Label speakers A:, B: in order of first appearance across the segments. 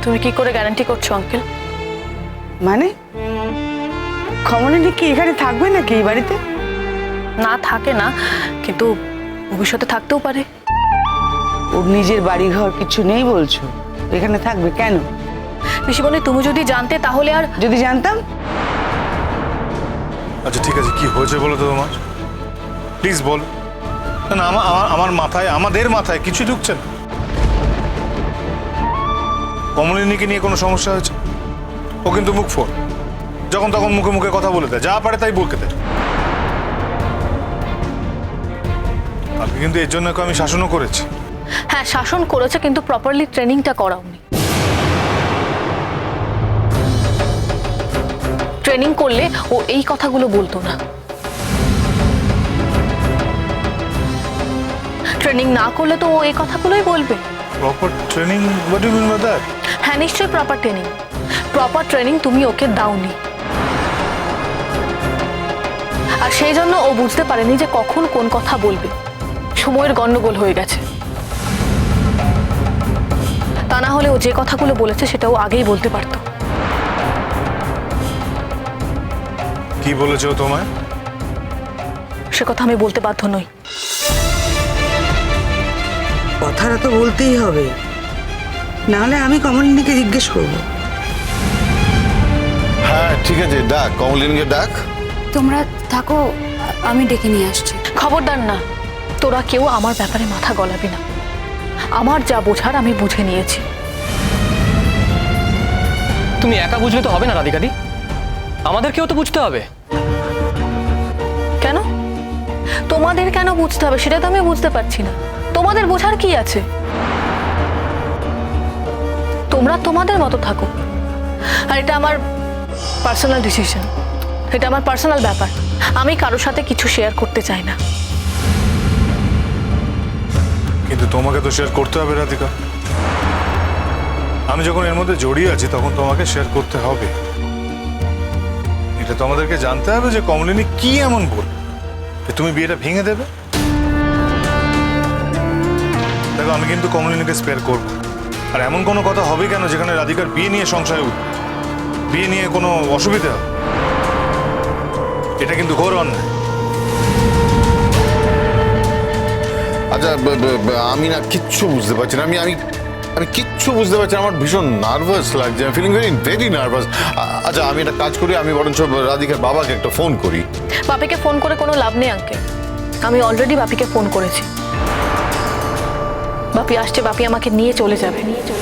A: তুমি কি করে গ্যারান্টি করছো আঙ্কেল?
B: মানে কমলিনী কি এখানে থাকবে নাকি এই বাড়িতে?
A: না, থাকে না, কিন্তু ভবিষ্যতে থাকতেও পারে।
B: ওর নিজের বাড়ি ঘর কিছু নেই বলছো, এখানে থাকবে কেন?
A: পিসিমণি, তুমি যদি জানতে তাহলে আর।
B: যদি জানতাম।
C: আচ্ছা ঠিক আছে, কি হয়েছে বলো তো তোমার, প্লিজ বল। না আমার মাথায়, আমাদের মাথায় কিছু ঢুকছে না। কমলিনীকে নিয়ে কোনো সমস্যা হয়েছে? ও কিন্তু মুখ ফোর, যখন তখন মুখে মুখে কথা বলে দেয়, যা পারে তাই বলতে দেয়। আপনি কিন্তু এর জন্য আমি শাসনও করেছি।
A: হ্যাঁ, শাসন করেছে, কিন্তু প্রপারলি ট্রেনিংটা করাওনি। ট্রেনিং করলে ও এই কথাগুলো বলতো না। ট্রেনিং না করলে তো ও এই কথাগুলোই বলবে।
C: Proper training? What do you mean by that?
A: হ্যাঁ, নিশ্চয়ই প্রপার ট্রেনিং। প্রপার ট্রেনিং তুমি ওকে দাওনি, আর সেই জন্য ও বুঝতে পারেনি যে কখন কোন কথা বলবে। সময়ের গন্ডগোল হয়ে গেছে। তা না হলে ও যে কথাগুলো বলেছে সেটা ও আগেই বলতে পারতো।
C: কি বলেছে ও তোমায়?
A: সে কথা আমি বলতে বাধ্য নই।
B: কথাটা তো বলতেই হবে, নাহলে আমি কমলিনীকে জিজ্ঞেস করবো।
D: হ্যাঁ ঠিক আছে, ডাক কমলিনীকে ডাক।
E: তোমরা থাকো, আমি ডেকে নিয়ে আসছি।
A: খবরদার না, তোরা কেউ আমার ব্যাপারে মাথা গলাবি না। আমার যা বোঝার আমি বুঝে নিয়েছি।
F: তুমি একা বুঝলে তো হবে না রাধিকাদি, আমাদেরকেও তো বুঝতে হবে।
A: কেন তোমাদের কেন বুঝতে হবে সেটা তো আমি বুঝতে পারছি না। তোমাদের বোঝার কি আছে? তোমরা তোমাদের মতো থাকো, আর এটা আমার পার্সোনাল ডিসিশন, এটা আমার পার্সোনাল ব্যাপার। আমি কারোর সাথে কিছু শেয়ার করতে চাই না।
C: কিন্তু তোমাকে তো শেয়ার করতে হবে রাধিকা। আমি যখন এর মধ্যে জড়িয়ে আছি তখন তোমাকে শেয়ার করতে হবে। এটা তো আমাদেরকে জানতে হবে যে কমলিনী কি এমন বল যে তুমি বিয়েটা ভেঙে দেবে। দেখো, আমি কিন্তু কমলিনীকে স্পেয়ার করবো। আর এমন কোনো কথা হবে কেন যেখানে রাধিকার বিয়ে নিয়ে সংশয় উঠবে, বিয়ে নিয়ে কোনো অসুবিধা হবে? এটা কিন্তু ঘোর অন্যায়।
D: আচ্ছা আমি না কিচ্ছু বুঝতে পারছি না, আমি আমি আমি কিচ্ছু বুঝতে পারছি না। আমার ভীষণ নার্ভাস লাগছে, আমি ফিলিং ভেরি নার্ভাস। আচ্ছা আমি একটা কাজ করি, আমি বরঞ্চ রাধিকার বাবাকে একটা ফোন করি।
A: বাপিকে ফোন করে কোনো লাভ নেই আঙ্কেল, আমি অলরেডি বাপিকে ফোন করেছি। বাপি আসছে, বাপি আমাকে নিয়ে চলে যাবে।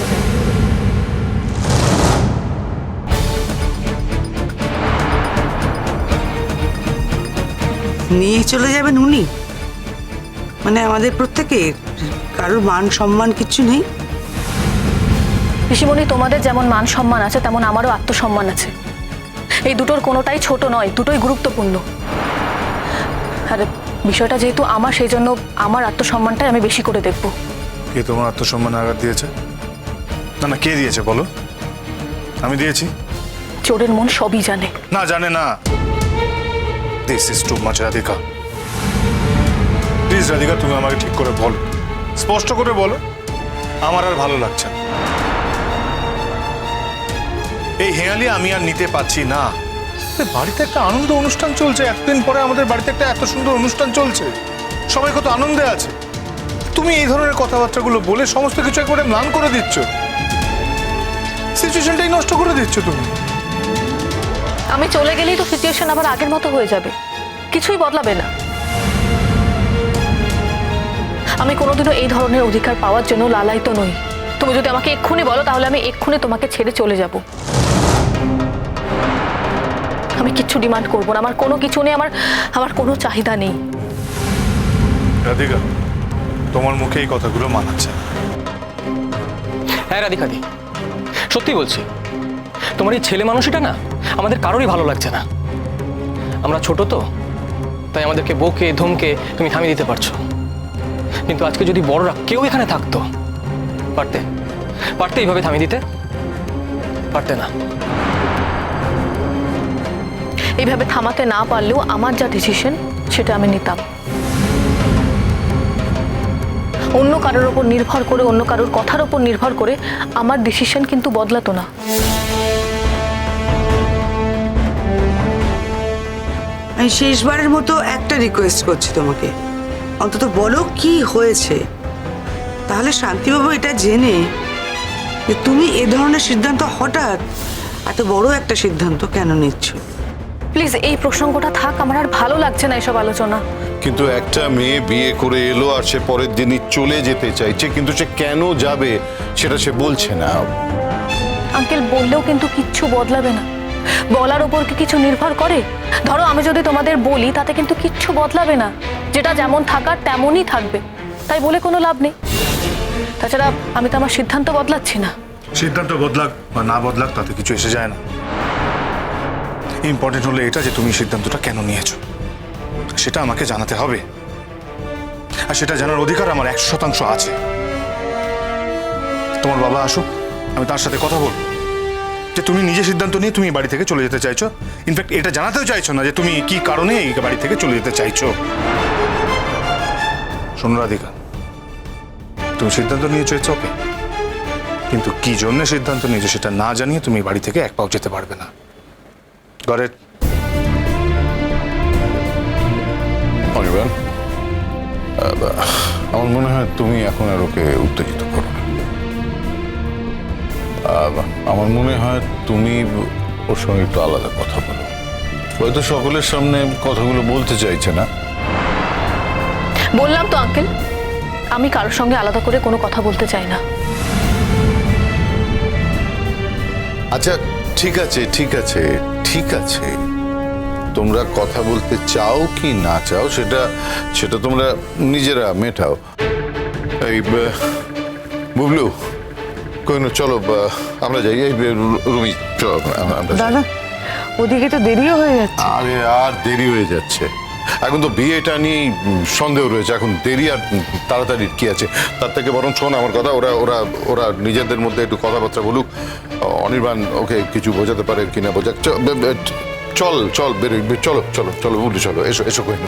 B: নিয়ে চলে যাবেন উনি? মানে আমাদের প্রত্যেকে কারোর মান সম্মান কিছু নেই?
A: ঋষিমণি, তোমাদের যেমন মান সম্মান আছে তেমন আমারও আত্মসম্মান আছে। এই দুটোর কোনোটাই ছোট নয়, দুটোই গুরুত্বপূর্ণ। আর বিষয়টা যেহেতু আমার, সেই জন্য আমার আত্মসম্মানটাই আমি বেশি করে দেখব।
C: কে তোমার আত্মসম্মানে আঘাত দিয়েছে? না না, কে দিয়েছে বলো? আমি দিয়েছি?
A: চোরের মন সবই জানে।
C: না, জানে না। This is too much Radhika. Please Radhika, তুমি আমাকে ঠিক করে বলো, স্পষ্ট করে বলো। আমার আর ভালো লাগছে না এই হেয়ালি, আমি আর নিতে পারছি না। বাড়িতে একটা আনন্দ অনুষ্ঠান চলছে, এতদিন পরে আমাদের বাড়িতে একটা এত সুন্দর অনুষ্ঠান চলছে, সবাই কত আনন্দে আছে। তুমি এই ধরনের কথাবার্তাগুলো বলে সমস্ত কিছু একবারে ম্লান করে দিচ্ছ, সিচুয়েশনটাই নষ্ট করে দিচ্ছ তুমি।
A: আমি চলে গেলেই তো সিচুয়েশন আবার আগের মতো হয়ে যাবে, কিছুই বদলাবে না। আমি কোনোদিনও এই ধরনের অধিকার পাওয়ার জন্য লালায়িত নই। তুমি যদি আমাকে এক্ষুনি বলো তাহলে আমি এক্ষুনি তোমাকে ছেড়ে চলে যাব। আমি কিচ্ছু ডিমান্ড করবো না, আমার কোনো কিছু নেই, আমার কোনো চাহিদা নেই।
C: রাধিকা, তোমার মুখে এই কথাগুলো মানাচ্ছে।
F: হ্যাঁ রাধিকাদি, সত্যি বলছি, তোমার এই ছেলে মানুষটা না আমাদের কারোরই ভালো লাগছে না। আমরা ছোট তো, তাই আমাদেরকে বকে ধমকে তুমি থামিয়ে দিতে পারছো, কিন্তু আজকে যদি বড়রা কেউ এখানে থাকতো, পারতে পারতে এইভাবে থামিয়ে দিতে পারতে না।
A: এইভাবে থামাতে না পারলেও আমার যা ডিসিশন সেটা আমি নিতাম। অন্য কারোর ওপর নির্ভর করে, অন্য কারোর কথার ওপর নির্ভর করে আমার ডিসিশন কিন্তু বদলাতো না।
B: আমি শেষবারের মতো একটা রিকোয়েস্ট করছি তোমাকে, অন্তত বলো কি হয়েছে। তাহলে শান্তিবাবু এটা জেনে যে তুমি এ ধরনের সিদ্ধান্ত, হঠাৎ এত বড় একটা সিদ্ধান্ত কেন নিচ্ছ।
A: প্লিজ এই প্রসঙ্গটা থাক, আমার আর ভালো লাগছে না এসব আলোচনা।
D: কিন্তু একটা মেয়ে বিয়ে করে এলো আর সে পরের দিনই চলে যেতে চাইছে, কিন্তু সে কেন যাবে সেটা সে বলছে না।
A: আঙ্কেল বললেও কিন্তু কিচ্ছু বদলাবে না। বলার ওপর কি কিছু নির্ভর করে? ধরো আমি যদি তোমাদের বলি তাতে কিন্তু কিচ্ছু বদলাবে না, যেটা যেমন থাকার তেমনই থাকবে, তাই বলে কোনো লাভ নেই। তাছাড়া আমি তো আমার সিদ্ধান্ত বদলাচ্ছি না।
C: সিদ্ধান্ত বদলাক বা না বদলাক তাতে কিছু এসে যায় না। ইম্পর্টেন্ট হলো এটা যে তুমি সিদ্ধান্তটা কেন নিয়েছো সেটা আমাকে জানাতে হবে, আর সেটা জানার অধিকার আমার 100% আছে। তোমার বাবা আসুক, আমি তার সাথে কথা বলবো যে তুমি নিজে সিদ্ধান্ত নিয়ে তুমি বাড়ি থেকে চলে যেতে চাইছো। ইনফ্যাক্ট এটা জানাতেও চাইছো না যে তুমি কি কারণে এই বাড়ি থেকে চলে যেতে চাইছো। শোনো রাধিকা, তুমি সিদ্ধান্ত নিয়েছো, ইটস ওকে, কিন্তু কি জন্য সিদ্ধান্ত নিয়েছো সেটা না জানিয়ে তুমি বাড়ি থেকে এক পাও যেতে পারবে না। Got it?
D: অনির্বাণ, আমার মনে হয় তুমি এখন আর ওকে উত্তেজিত করো না। আমার মনে হয় তুমি ওর সঙ্গে একটু আলাদা কথা বলো। হয়তো সকলের সামনে কথাগুলো বলতে চাইছে না।
A: বললাম তো আঙ্কেল, আমি কারোর সঙ্গে আলাদা করে কোনো কথা বলতে চাই না।
D: আচ্ছা ঠিক আছে, ঠিক আছে, ঠিক আছে, তোমরা কথা বলতে চাও কি না চাও সেটা সেটা তোমরা নিজেরা মেটাও। এই বুবলু, কইনো চলো আমরা যাই। এই রুমি চলো আমরা যাই।
B: দাদা, ওদিকে তো দেরিও হয়ে যাচ্ছে।
D: আরে আর দেরি হয়ে যাচ্ছে, এখন তো বিয়েটা নিয়ে সন্দেহ রয়েছে, এখন দেরি আর তাড়াতাড়ি কি আছে। তার থেকে বরং শোন আমার কথা, ওরা ওরা ওরা নিজেদের মধ্যে একটু কথাবার্তা বলুক। অনির্বাণ ওকে কিছু বোঝাতে পারে কিনা বোঝাক। চল চল বেরোই, চলো চলো চলো বুবলি, চলো এসো এসো কইনো।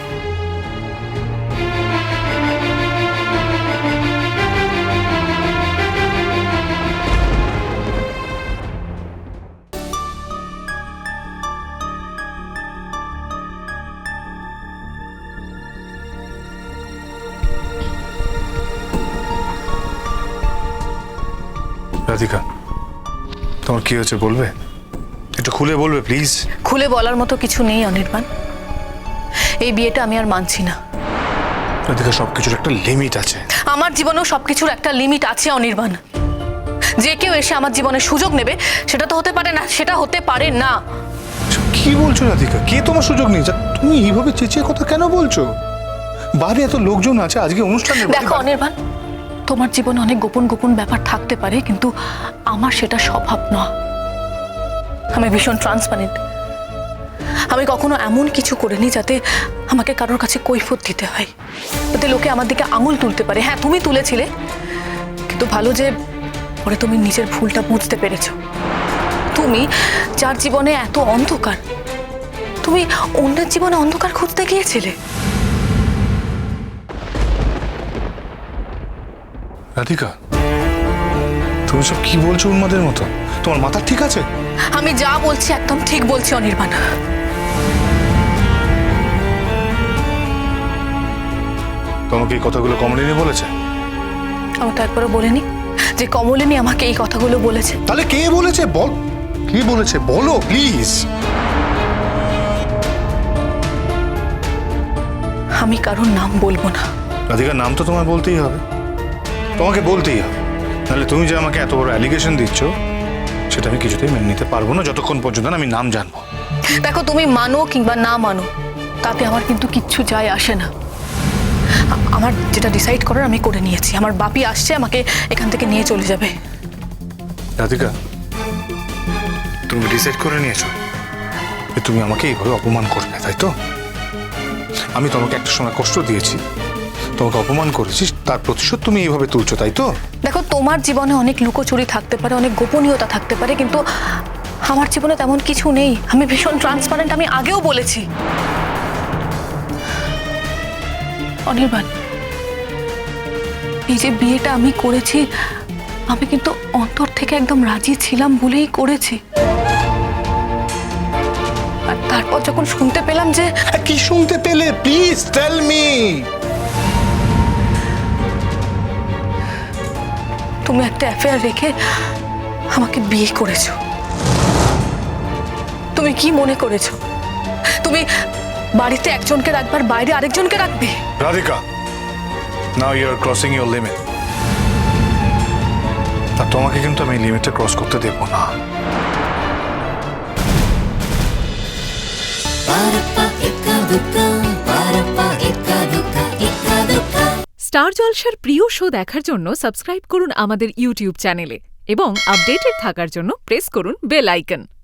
C: রাধিকা, তোমার কি হয়েছে বলবে? একটু খুলে বলবে প্লিজ।
A: খুলে বলার মতো কিছু নেই অনির্বাণ, এই বিয়েটা আমি আর মানছি না।
C: রাধিকা, সবকিছুর একটা লিমিট আছে।
A: আমার জীবনেও সবকিছুর একটা লিমিট আছে অনির্বাণ। যে কেউ এসে আমার জীবনে সুযোগ নেবে সেটা তো হতে পারে না, সেটা হতে পারে না।
C: কি বলছো রাধিকা? কে তোমার সুযোগ নিয়েছে? তুমি এইভাবে চেঁচিয়ে কথা কেন বলছো? বাড়ি এত লোকজন আছে, আজকে অনুষ্ঠানে।
A: দেখো অনির্বাণ, তোমার জীবনে অনেক গোপন গোপন ব্যাপার থাকতে পারে, কিন্তু আমার সেটা স্বভাব নয়। আমি ভীষণ ট্রান্সপারেন্ট। আমি কখনো এমন কিছু করিনি যাতে আমাকে কারোর কাছে কৈফিয়ত দিতে হয়, যাতে লোকে আমার দিকে আঙুল তুলতে পারে। হ্যাঁ, তুমি তুলেছিলে, কিন্তু ভালো যে পরে তুমি নিজের ভুলটা বুঝতে পেরেছো। তুমি যার জীবনে এত অন্ধকার, তুমি অন্যের জীবনে অন্ধকার খুঁজতে গিয়েছিলে।
C: রাধিকা, তুমি সব কি বলছো উন্মাদের মতো? তোমার মাথা ঠিক আছে?
A: আমি যা বলছি একদম ঠিক বলছি অনির্বাণ।
C: তোমাকে এই কথাগুলো কমলিনী বলেছে?
A: আমি তো একবারও বলিনি যে কমলিনী আমাকে এই কথাগুলো বলেছে।
C: তাহলে কে বলেছে বল? কে বলেছে বলো প্লিজ।
A: আমি কারোর নাম বলবো না।
C: রাধিকা, নাম তো তোমায় বলতেই হবে, তোমাকে বলতেই হবে, নাহলে তুমি যে আমাকে এত বড় অ্যালিগেশন দিচ্ছ সেটা আমি কিছুতেই মেনে নিতে পারবো না যতক্ষণ পর্যন্ত না আমি নাম জানবো।
A: দেখো, তুমি মানো কিংবা না মানো তাতে আমার কিন্তু কিচ্ছু যায় আসে না। আমার যেটা ডিসাইড করার আমি করে নিয়েছি। আমার বাপি আসছে, আমাকে এখান থেকে নিয়ে চলে যাবে।
C: রাধিকা, তুমি ডিসাইড করে নিয়েছো যে তুমি আমাকে এইভাবে অপমান করবে, তাই তো? আমি তোমাকে একটা সময় কষ্ট দিয়েছি, তোমাকে অপমান করেছি, তার প্রতিশোধ তুমি এইভাবে তুলছো, তাই তো?
A: দেখো, তোমার জীবনে অনেক লুকোচুরি থাকতে পারে, অনেক গোপনীয়তা থাকতে পারে, কিন্তু আমার জীবনে তেমন কিছু নেই। আমি ভীষণ ট্রান্সপারেন্ট, আমি আগেও বলেছি। অনির্বাণ, এই যে বিয়েটা আমি করেছি, আমি কিন্তু অন্তর থেকে একদম রাজি ছিলাম বলেই করেছি। আর তারপর যখন শুনতে পেলাম যে
C: কি শুনতে পেলে? Please tell me.
A: তুমি একটা অ্যাফেয়ার রেখে আমাকে বিয়ে করেছো, তুমি কি মনে করেছো তুমি বাড়িতে একজনকে রাখবার বাইরে আরেকজনকে রাখবে?
C: Radhika, now you are crossing your limit. আর তোমাকে কিন্তু আমি লিমিটটা ক্রস করতে দেবো না।
G: স্টার জলসার প্রিয় শো দেখার জন্য সাবস্ক্রাইব করুন আমাদের ইউটিউব চ্যানেলে এবং আপডেটেড থাকার জন্য প্রেস করুন বেল আইকন।